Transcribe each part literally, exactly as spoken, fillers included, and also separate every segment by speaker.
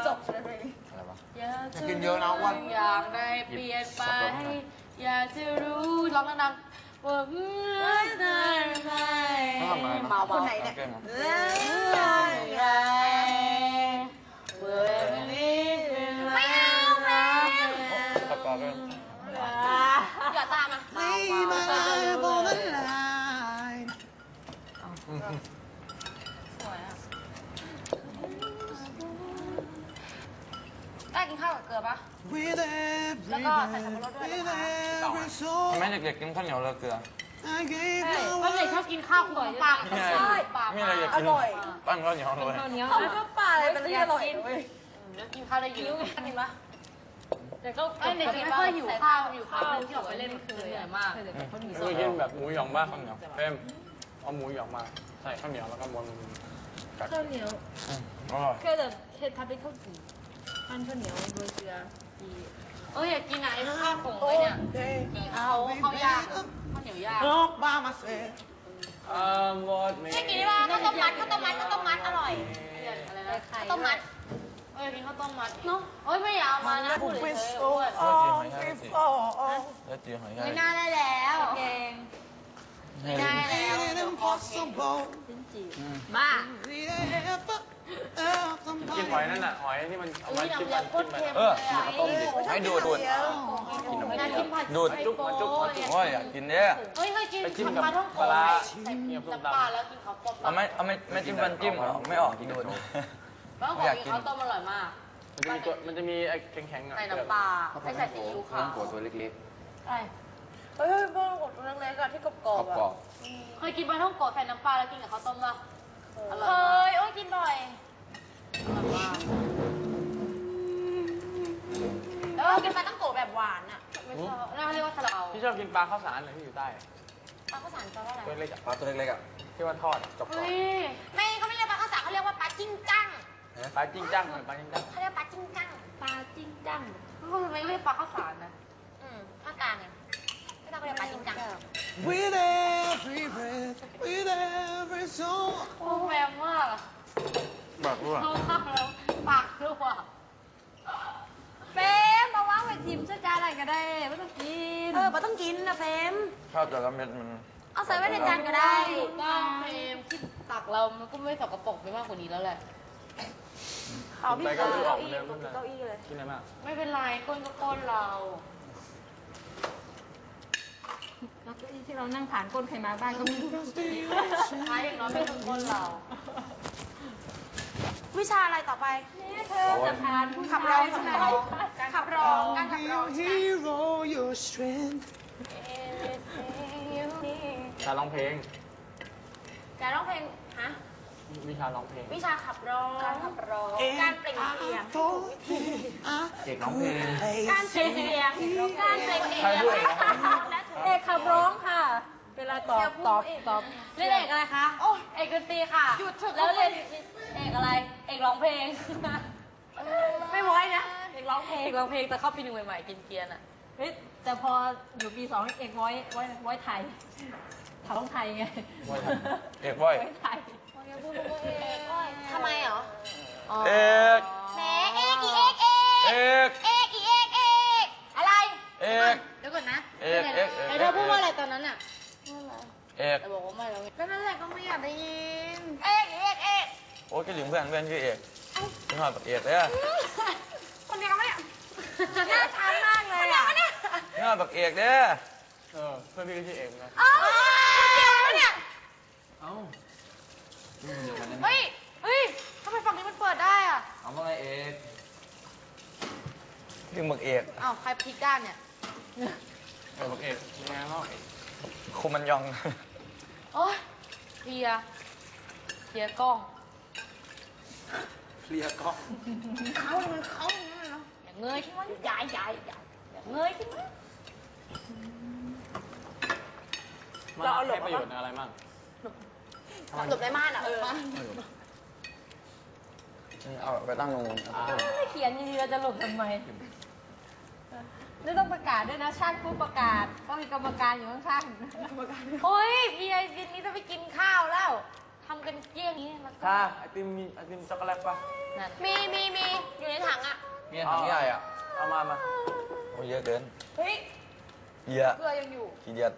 Speaker 1: จบอะไรวะ
Speaker 2: อยากจะกินเยอะนะวันอยากได้เปลี่ยนไปอยากจะรู้ร้องดังๆว่าเมื่อไหร่เมาคนไหนเนี่ยเมื่อไหร่เมื่อนี้ไม่เอาแล้วประกอบเลยอย่าตามมาเมาเมาสวยอ่ะได้กินข้าวกับเกลือปะแล้วก็ใส่สับปะรดด้วยนะคะทำไมเด็กๆกินข้าวเหนียวเลยเกลือใช่เพราะเด็กชอบกินข้าวคู่กับปลาใช่ปลาอร่อยปั้นข้าวเหนียวเลยเขาชอบปลาอะไรเป็นที่อร่อยเลยแล้วกินข้าวได้เยอะกินปะแต่ก็เด็กไม่ค่อยหิวข้าวหิวข้าวที่ออกไปเล่นคือเหนื่อยมาก
Speaker 3: เคยกินแบบหมูหยองบ้างข้าวเหนียวเต็มเอาหมูหยองมาใส่ข้าวเหนียวแล้วก็ม้วนกัด
Speaker 4: ข้าวเหนียวแค่แบบเห็ดทำเป็นข้าวจี่ปั้นข้าวเหนียวโรยเกลือดี
Speaker 2: เอออยากกินไหนข้าวผงไว้เนี่ยเขาเขาย่างข้าวเหนียวย่าง
Speaker 3: โลกบ้ามาเซ่เอ่อหมด
Speaker 1: ไม่กินได้ป่ะข้าวต้มมัดข้าวต้มมัดข้าวต้มมัดอร่อย
Speaker 2: อะไรนะ
Speaker 1: ข้าวต้มมัด
Speaker 2: เออกินข้าวต้มมัดเนาะเอ้ยไม่อยากเอามานะพูดเลยเฉยๆ
Speaker 3: แล้วจีหอยแครงแล้วจีหอยแครง
Speaker 1: ไม่น่าได้แล้ว
Speaker 2: เก่ง
Speaker 1: ไม่ได้แล้ว
Speaker 4: บ้า
Speaker 3: กินหอยนั่นน่ะหอยที่มันเอามาจิ้มมันจิ้มมัน
Speaker 1: เออ
Speaker 3: ต้มดิ
Speaker 1: ให้ดูดดูด
Speaker 3: ดูดจุ๊บมาจุ๊บมาจุ๊บโอ้ยอยากกินเนี่ย
Speaker 2: เฮ้ยเคยกินไปจิ้มกับปลาน้ำปลาแล้วกินข้าวต้ม
Speaker 3: เอาไม่เอาไม่ไม่จิ้มฟันจิ้มไม่ออกกินดูด
Speaker 2: แล้วขอกินข้าวต้มอร่อยมาก
Speaker 3: มันจะมีตัวมันจะมีไอ้แข็งๆอ่ะ
Speaker 2: ใส่น้ำปลาไม่ใส่ซีอิ๊วขาว
Speaker 3: หัวตัวเล็ก
Speaker 2: ๆใช่เฮ้ยเพิ่งกดตัวเล็กๆอะที่กรอบๆอะเคยกินปลาท่องโกะใส่น้ำปลาแล้วกินกับข้าวต้มป่ะ
Speaker 1: เคยโอ้ยกินบ่อยแล้วกินปลาต้องโกะแบบหวานอ่ะ
Speaker 2: ไม่ชอบน่าเรียกว่าซาลาเปา
Speaker 3: พี่ชอบกินปลาข้าวสารเลยที่อยู่ใต้
Speaker 1: ปลาข้าวสารแปลว่าอะไร
Speaker 3: ตัวเล็กปลาตัวเล็กๆอ่ะที่ว่าทอดกรอบ
Speaker 1: ๆไม่เขาไม่เรียกปลาข้าวสารเขาเรียกว่าปลาจิ้งจัง
Speaker 3: ปลาจิ้งจังเหมือนปลาจิ้งจัง
Speaker 1: เขาเรียกปลาจิ้งจัง
Speaker 4: ปลาจิ้งจัง
Speaker 2: เขาไม่เรียกปลาข้าวสารนะ
Speaker 1: อืมภาคกลางไงไม่ต้องเรียกปลาจิ้งจัง
Speaker 5: With every breath with every song
Speaker 2: โอ้แรงมาก
Speaker 3: ปากรั่ว
Speaker 2: ปากรั่ว
Speaker 4: เฟมมาว่างไปทิมช่วยจานอะไรก็ได้ไม่ต้องกิน
Speaker 1: เออไม่ต้องกินนะเฟม
Speaker 3: ชอบแต่ละเม็ดมัน
Speaker 1: เอาใส่ไว้ในจานก็ได้
Speaker 2: ก็เฟมที่ตักเรามันก็ไม่สกปรกไปมากกว่านี้แล้วแหละ
Speaker 1: เอาพี่เก้าอี้เก้าอี้เก้าอี้เลย
Speaker 3: กินอะไรมาก
Speaker 2: ไม่เป็นไรก้นก็ก้นเรา
Speaker 4: แล้วก็ที่เรานั่งฐานก้นใครมาบ้านก็ไม่รู้
Speaker 2: ท้ายอย่างน้อยไม่ต้องก้นเรา
Speaker 1: วิชาอะไรต่อไป
Speaker 4: เธอจะผ่านผู้
Speaker 1: ขับร้องขับร้องขับร้องการขับร้อง
Speaker 3: การร้องเพลง
Speaker 1: การร้องเพลงฮะ
Speaker 3: วิชาร้องเพลง
Speaker 1: วิชาขับร้องการขับร้องการเปล่งเสียง
Speaker 3: เอกร้องเพลง
Speaker 1: การเปล่งเสียงการเปล่งเสียง
Speaker 4: เอกขับร้องค่ะเวลาตอบตอบตอบ
Speaker 2: เล่นเอกอะไรคะเอกดนตรีค่ะแล้วเล่นเอกอะไรเอกร้องเพลงไม่ไว้นะเอกร้องเพลงเอกร้องเพลงแต่เข้าปีหนึ่งใหม่ๆกินเกียร์น่ะ
Speaker 4: เฮ้ยแต่พออยู่ปีสองเอกไว้ไว้ไว้ไทยท้องไทยไง
Speaker 3: เอกไว้
Speaker 4: ไทย
Speaker 1: ทำไมเหรอ
Speaker 3: เอก
Speaker 1: แหมเอกอีเอกเอกเอกอีเอกเอกอะไร
Speaker 3: เอก
Speaker 2: เดี๋ยวก่อนนะ
Speaker 3: เอกเอก
Speaker 2: เธอพูดว่าอะไรตอนนั้นอ่ะ
Speaker 3: เอก
Speaker 2: แต่บอกว่าไม่แล้วก็นั่นแหละก็ไม่อยากได้ยิน
Speaker 1: เอกเอกเอก
Speaker 3: โอ้ยก็หลิงเพื่อนเพื่อนชื่อเอกชื่อหอดเอกเลยอะ
Speaker 1: คนเดียวกันไหมเนี่ยน่าทานมากเลยอ่ะ
Speaker 3: นี่หอดเอกเด้อเออเพื่อนพี่ก็ชื่อเอกนะ
Speaker 1: เอ้าคนเดียวกันเนี่ย
Speaker 3: เอ้า
Speaker 1: เฮ้ยเฮ้ยทำไมฝั่งนี้มันเปิดได้อ่ะ
Speaker 3: เอามาไงเอกพี่บักเอก
Speaker 2: อ้าวใครพลิกด้านเนี่ย
Speaker 3: เออบักเอกยังไงเนาะคุมันยอง
Speaker 2: โอ้ยเคลียร์เคลียร์กล้อง
Speaker 3: เคลียร์กล้อง
Speaker 1: เขามันเขาอย่างนั้นเหรอ
Speaker 2: อย่าเงยขึ้นมาใหญ่ใหญ่ใหญ่อย่าเงยขึ้นมา
Speaker 3: เราเอาหลบประโยชน์อะไรมั่ง
Speaker 1: หลบในม่านอ่ะเออ
Speaker 3: เอาไปตั้งลง
Speaker 4: ไม่เขียนดีๆเราจะหลบทำไมไม่ต้องประกาศด้วยนะช่างผู้ประกาศต้องมีกรรมการอยู่ข้างๆ
Speaker 2: โอ้ยพี่ไอ้ดินนี้จะไปกินข้าวแล้วทำกันเกลี้ยงนี้แล้วก็
Speaker 3: ถ้าไอติมมีไอติมช็อกโกแลตป่ะ
Speaker 2: นั่นมีมีมีอยู่ในถังอ่ะ
Speaker 5: มีถังใหญ่อ่ะ
Speaker 3: เอามามา
Speaker 5: โอ้เยอะเกิน
Speaker 2: เฮ้ย
Speaker 5: เยอะ
Speaker 2: เกลือยังอยู่
Speaker 5: กี่เดียด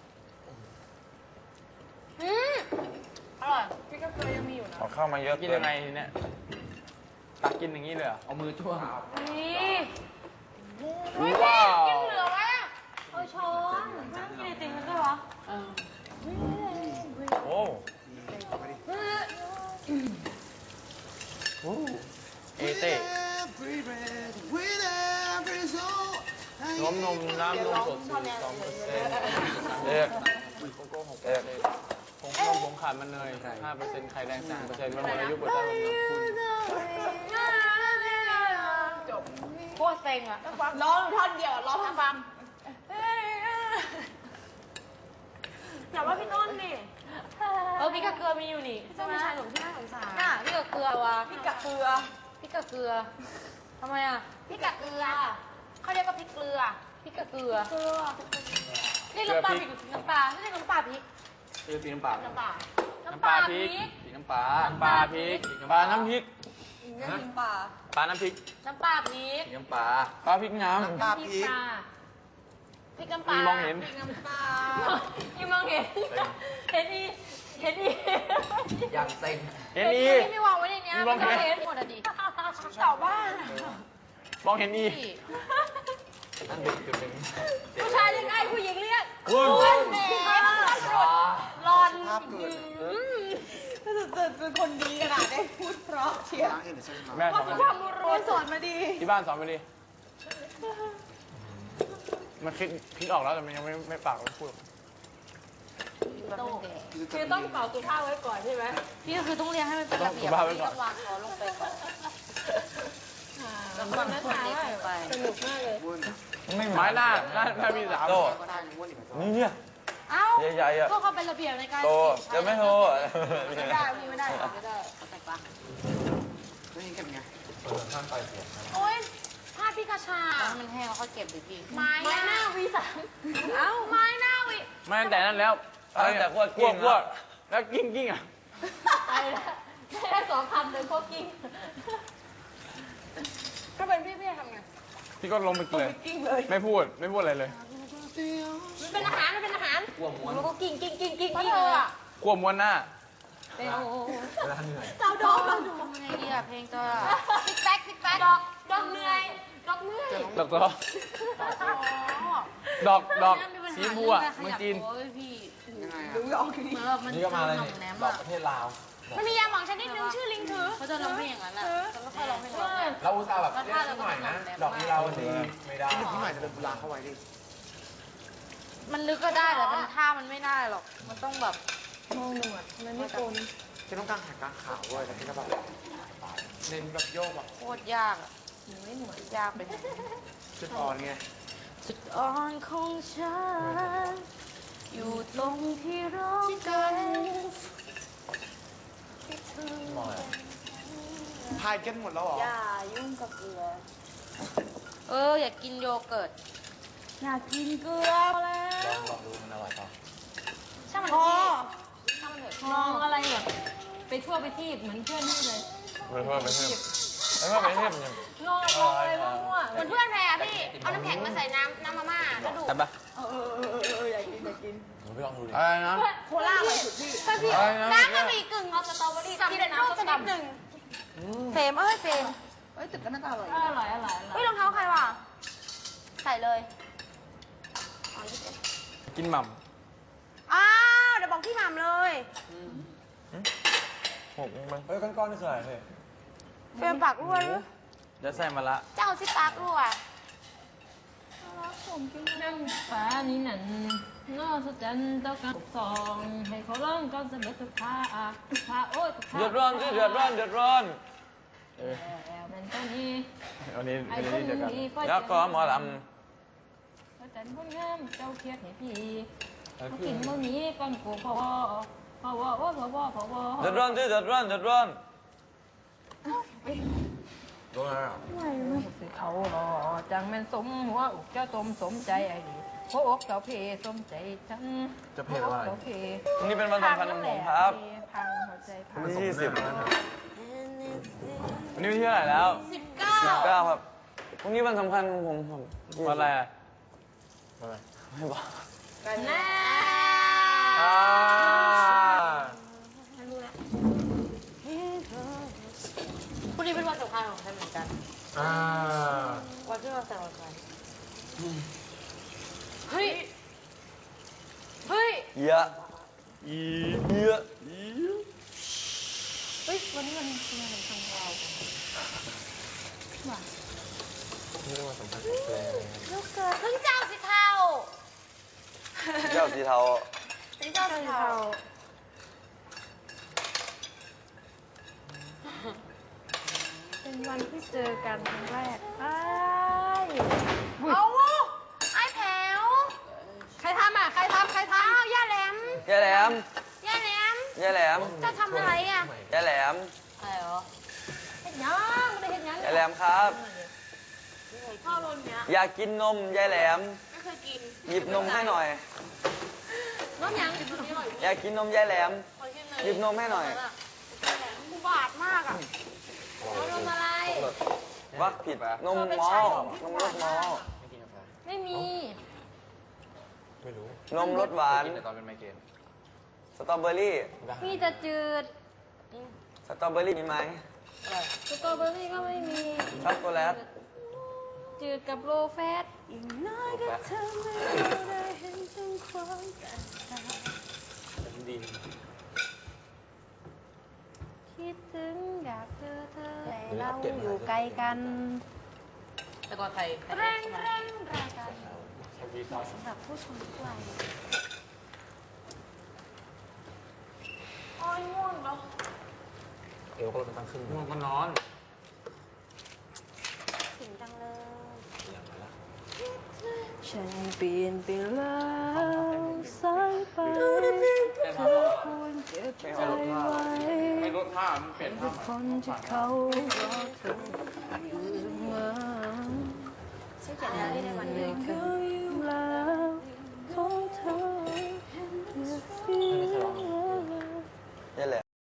Speaker 2: อืมอร่อยพี่ก็เกลือยังมีอยู่นะ
Speaker 5: เอาเข้ามาเยอะ
Speaker 3: กิน
Speaker 5: เกิ
Speaker 3: ยังไงทีเนี่ยตักกินอย่างนี้เลยเหรอ
Speaker 5: เอามือจ้วง
Speaker 2: นี่เฮ้ย
Speaker 3: ว้าว
Speaker 2: กินเหลือไว้อะ
Speaker 4: เอาช้อนไม่ต้องกินไอติมกันด้วยเหรอ
Speaker 5: โอ้
Speaker 3: เอเต้นมนมน้ำนมสดสี่สองเปอร์เซ็นต์
Speaker 5: เอก
Speaker 3: โกโก้หกเป
Speaker 5: เอ
Speaker 3: อร์
Speaker 5: ก
Speaker 3: เซ็นต์ผงนมผงขาดมันเนยห้าเปอร์เซ็นต์ไข่แดงสามเปอร์เซ็นต์มันหมดอายุเปิดได้วันนี้คุณ
Speaker 2: จบโคตรเซ็งอ่ะร้องท่อนเดียวร้องทั้งฟัง
Speaker 1: อย่าว่าพี่ต้นดิ
Speaker 2: เออพี่กับเกลือมีอยู่นี่
Speaker 1: พี่ต้นเป็นชายหนุ่มที่น่าสงสาร
Speaker 2: น่ะพี่กับเกลือวะ
Speaker 1: พี่กับเกลือ
Speaker 2: พี่กับเกลือทำไมอ่ะ
Speaker 1: พี่กับเกลือเขาเรียกว่าพริกเกลือ
Speaker 2: พี่กับเกลือ
Speaker 1: เกลือ
Speaker 2: นี่น้ำปลาพริกหรือน้ำปลาไม่ใช่น้ำปลาพริก
Speaker 3: คือสีน้ำปลา
Speaker 1: น้ำปลา
Speaker 3: น้ำปลาพริกสีน้ำปลาน้ำปลาพริกปลาน้ำพริก
Speaker 1: น้ำปลา
Speaker 3: ปลาน้ำพริก
Speaker 2: น้ำปลาพริก
Speaker 5: สีน้ำปลา
Speaker 3: ปลาพริกน้
Speaker 5: น้ำปลาพริก
Speaker 2: พริกน้ำปลา
Speaker 3: มีมองเห็น
Speaker 2: พริกน้ำปลา
Speaker 4: ยังมองเห็น เห็นอีเห็นอี
Speaker 5: อย่างเซ็ง
Speaker 3: ำเห็นอี
Speaker 2: ที่ไม่วางไว้ในเนี้ย
Speaker 3: มีมองเห็น
Speaker 2: เห็นหมดอ่ะดิ
Speaker 1: เต่าบ้าน
Speaker 3: มองเห็นอี
Speaker 2: พี่
Speaker 5: นั่นเด็กจุดหนึ่ง
Speaker 2: ผู้ชายเรียกไอ้ผู้หญิงเรียก
Speaker 3: คุณ
Speaker 2: อ้วนแหม่หลอน
Speaker 1: เป็นคนดีขนาดได้พูดเพราะเชียร์
Speaker 3: แม่สอนมา
Speaker 1: ความ
Speaker 3: ดิ
Speaker 1: รู้สอนมาดี
Speaker 3: ที่บ้านสอนมาดิมันคิดคิดออกแล้วแต่มันยังไม่ไม่ปากไม่พูด
Speaker 4: คือต้องเป่าสุภาพไว้ก่อนใช่ไหม
Speaker 2: พี่ก็คือต้องเรียนให้มันเป็นระเบียบ
Speaker 3: ต้องสุภาพไว้
Speaker 2: พี่
Speaker 3: ก่อน
Speaker 2: ต้องวางคอลงไปก่อนแล้ว
Speaker 4: ค
Speaker 2: ก็
Speaker 4: นนั้น
Speaker 2: คน
Speaker 4: ถาม
Speaker 2: เล็ก
Speaker 4: ว่า
Speaker 2: ลงไป
Speaker 4: สนุกมากเลย
Speaker 5: ไม่
Speaker 3: ไม้หน้าหน้าหน้ามีสาม
Speaker 5: โตนี่เนี่ย
Speaker 2: เอ้า
Speaker 5: ใหญ่ๆอะ
Speaker 2: ก็เขาเป็นระเบียบในการ
Speaker 5: โตจะไม่โต
Speaker 2: ไม่ได้พี่ไม่ได้ไม่ได้ใส่ปะโอ๊ยผ้าพี่กระชามันแห้งแล้วเขาเก็บดิพี่
Speaker 1: ไม้หน้าวีสาม
Speaker 2: เอ้าไม้หน้าวิ
Speaker 3: ไม่ตั้งแต่นั้นแล้ว
Speaker 5: ตั้งแต่ขวด
Speaker 3: ก
Speaker 5: กิ้
Speaker 3: ว
Speaker 5: ง
Speaker 3: กวดแล้วกิ้งกิ้งอ่ะ
Speaker 4: ไปแล้วได้สองคำเลยพวกกิ้ง
Speaker 1: ก็เป็นพี่พี่ทำไง
Speaker 3: พี่ก็ลงไปเลย
Speaker 1: กิ้งเลย
Speaker 3: ไม่พูดไม่พูดอะไรเลย
Speaker 1: มันเป็นอาหารมันเป็นอาหาร
Speaker 5: กลัวม้วน
Speaker 2: แล้วก็กิ้งกิ้งกิ้งกิ้ง
Speaker 1: เพราะ
Speaker 2: กิ้ง
Speaker 1: เธอ
Speaker 2: เลย
Speaker 1: อะ
Speaker 3: กลัวม้วนหน้า
Speaker 2: เป็นโอ้
Speaker 5: เวลาเหนื่อย
Speaker 1: เจ้าดอกดอก
Speaker 2: ทำไงดีอะเพลงจะติ๊กแป๊กติ๊กแป๊กดอกดอกเหนื่อยดอกเหนื่อย
Speaker 3: ดอกดอกดอกดอกสีบัวเมืองจีน
Speaker 2: โอ้ยพี่
Speaker 1: ดูออกดี
Speaker 2: เหมือนแบบมัน
Speaker 5: นี่ก็มาเลย
Speaker 2: หน่
Speaker 5: นี่
Speaker 2: อมแนม
Speaker 5: ดอก
Speaker 2: อะ
Speaker 5: ประเทศลาว
Speaker 1: มันมียาหมองชนิดหนึ่งชื่อลิงถือ
Speaker 2: เขาจะร้องเพลงอย่างนั้นอะแล้วก็ค่อยร้องเพลง
Speaker 5: เราอุตส่าห์แบบเรียกหน่อยนะ ดอกนี้เราดีไม่ได้
Speaker 2: มันลึกก็ได้แต่มันท่ามันไม่ได้หรอก มันต้องแบบ
Speaker 4: มันไม่โกน
Speaker 5: จะต้องการหากลางขาวด้วยแต่ที่ก็แบบ
Speaker 3: เน้นแบบโยกแบบ
Speaker 2: โคตรยากอะไม่หนวดยากไปหมด
Speaker 5: จุดอ่อนไง
Speaker 2: จุดอ่อนของฉัน อยู่ตรงที่ร้องกัน
Speaker 5: มองอะไร
Speaker 3: พายกันหมดแล้วเหรอ
Speaker 2: อย่ายุ่งกับเกลือ เออ อยากกินโยเกิร์ต อยากกินเกลือแล้ว
Speaker 5: ลองลองดูมันอร่อยเปล่า
Speaker 2: ช่างมัน
Speaker 1: พอ
Speaker 2: พี่ช่างมันเถอะ
Speaker 4: มองอะไรแบบไปทั่วไปที่เหมือนเพื่อนนี่เลย
Speaker 3: ไปเพิ่มไปเพิ่มไปเพิ่มไปเพิ่มยัง
Speaker 4: งอมองอะไรมั่ว
Speaker 1: เหมือนเพื่อนแพรอะพี่ เอาน้ำแข็งมาใส่น้ำน้ำมาม่าแล้วดูด
Speaker 5: ใช่ปะ
Speaker 1: เออเออเออเอออยากกินอยากกิน
Speaker 5: หนูไปลองดูดิ
Speaker 3: อะไรนะ
Speaker 1: โคล่าอร่อยสุดพี่ถ้าพี่
Speaker 3: อะไรนะ
Speaker 1: น้ำก็มีกึ่งเอาสตรอเบอรี่กินรูปชนิดหนึ่งเฟรมเอ้ยเฟรมเอ้ยตึกก็น่าจะอร่อย
Speaker 4: ๆอร่อยอร่อยอร่
Speaker 1: เฮ้
Speaker 4: อย ย
Speaker 1: รองเท้าใครวะใส่เลย
Speaker 3: กินหม่
Speaker 1: อ้าวเดี๋ยวบอกพี่หม่ำเลย
Speaker 3: ำหกมันเฮ้ยก้อนๆนี่คืออะไรเฮ้ย
Speaker 1: เฟรมปากรั่วหรือ
Speaker 3: เดี๋ยวใส่มาละ
Speaker 1: เจ้าซิปากรั่ว
Speaker 4: นั่งฟ้านี้นั่นนอสจันเจ้ากันสองให้เขาร้องก่อนเสมอทุกท่าทุกท่าโอ้ยทุกท่า
Speaker 3: เดือดร้อนสิเดือดร้อนเดือดร้อนเออ
Speaker 4: แล้วมันตอนนี้
Speaker 3: วันนี้
Speaker 4: ไอ้
Speaker 3: วัน
Speaker 4: คน
Speaker 3: นี้เจอกัน
Speaker 4: นี้ก็
Speaker 3: แล้วก็หมอล
Speaker 4: พระจันทร์คนงามเจ้าเครียดให้พี่
Speaker 3: ำ
Speaker 4: มากินมื้อนี้ก่อนกูพอพอวอพอวอพอวอพอวอ
Speaker 3: เดือดร้อนสิเดือดร้อนเดือดร้อน
Speaker 5: โดนอะไรอ่ะ
Speaker 4: สิเขารอจังแม่นสมหัวอกเจ้าตมสมใจไอ้ดีหัวอกเจ้าเพสมใจฉัน
Speaker 5: จะเพลอะไร
Speaker 4: หัวอกเจ้าเพ
Speaker 3: วันนี้เป็นวันสำคัญของผมครับ
Speaker 4: พังเขา
Speaker 3: วันที่ยี่สิบแล้วนะวันนี้วันที่เท่าไหร่แล้ว
Speaker 2: สิบเก้า
Speaker 3: สิบเก้าครับพรุ่งนี้วันสำคัญของผมครับวันอะไรอะอะไรไม่บอก
Speaker 2: กันแน่
Speaker 3: อ่า
Speaker 2: พรุ่งนี้เป็นวันสำคัญของฉันเหมือนกัน
Speaker 3: อ่า
Speaker 2: วันที่เราแต่งงานกันเฮ้ย เฮ้ย
Speaker 3: เยอะอีเยอะอี
Speaker 1: เฮ้ยวันนี้วันเป็นวันสำคัญของเราว่ะ
Speaker 3: นี่เป็นวันสำคัญของเพลง
Speaker 1: ลูกเกิด
Speaker 2: เพิ่งเจ้าสิเท่า
Speaker 3: เจ้าสีเทา
Speaker 2: เป็นเจ้าสิเท่า
Speaker 1: เป็นวันที่เจอกันครั้งแรกไอ้าย
Speaker 2: เอาไอ้แถว
Speaker 1: ใครทำอ่ะ ใครทำใครทำ
Speaker 2: อ้าวย่าแหลม
Speaker 3: ยายแหลม
Speaker 2: ย่าแหลม
Speaker 3: ยายแหลม
Speaker 2: เจ้าทำอะไรอ่ะ
Speaker 3: ยายแหลม
Speaker 2: อะไรเหรอ
Speaker 1: เห็นยังไม่ได้เห็นยัง
Speaker 3: ยายแหลมครับ
Speaker 2: พ่อรุ่นเนี้ย
Speaker 3: อยากกินนมยายแหลม
Speaker 2: ไม่เคยกิน
Speaker 3: หยิบนมให้หน่อย
Speaker 2: น้องยังกินตัวนี้อร่อย
Speaker 3: อยากกินนมยายแหลม
Speaker 2: ขอชิมหน่อย
Speaker 3: หยิบนมให้หน่อย
Speaker 2: กูบาดมากอ่ะเอานมอะไร
Speaker 3: วักผิดนมมอลนมรสมอล
Speaker 1: ไม่มี
Speaker 3: ไม่รู้ นมรสหวานตอนเป็นไมเกรนสตรอเบอรี่
Speaker 1: มีแต่จืด
Speaker 3: สตรอเบอรี่มีไหม
Speaker 1: สตรอเบอรี่ก็ไม่มี
Speaker 3: ช็อกโกแลต
Speaker 1: จืดกับโลแฟตอีกน้อยก็ทำให้เราได้เห็นถึงความแตกต่างคิดถึงอยากเจอเธอแต่เราอยู่ไกลกัน
Speaker 2: แต่ก่อนใคร
Speaker 1: แรงแรงรายการสำหรับผู้ชมทุกวัย
Speaker 2: อ้อยง่วงเนาะ
Speaker 3: เอวก็ลดตั้งครึ่งง่วงก็นอน
Speaker 1: ถึงจังเลยฉันเปลี่ยนไปแล้วสายไปเธอควรเก็บใจไว้
Speaker 3: ไม่ลดผ้ามันเปลี่ยนผ้า
Speaker 1: คนที่เขารอเธออยู่มาฉันเขียนอะไรได้วันหนึ่ง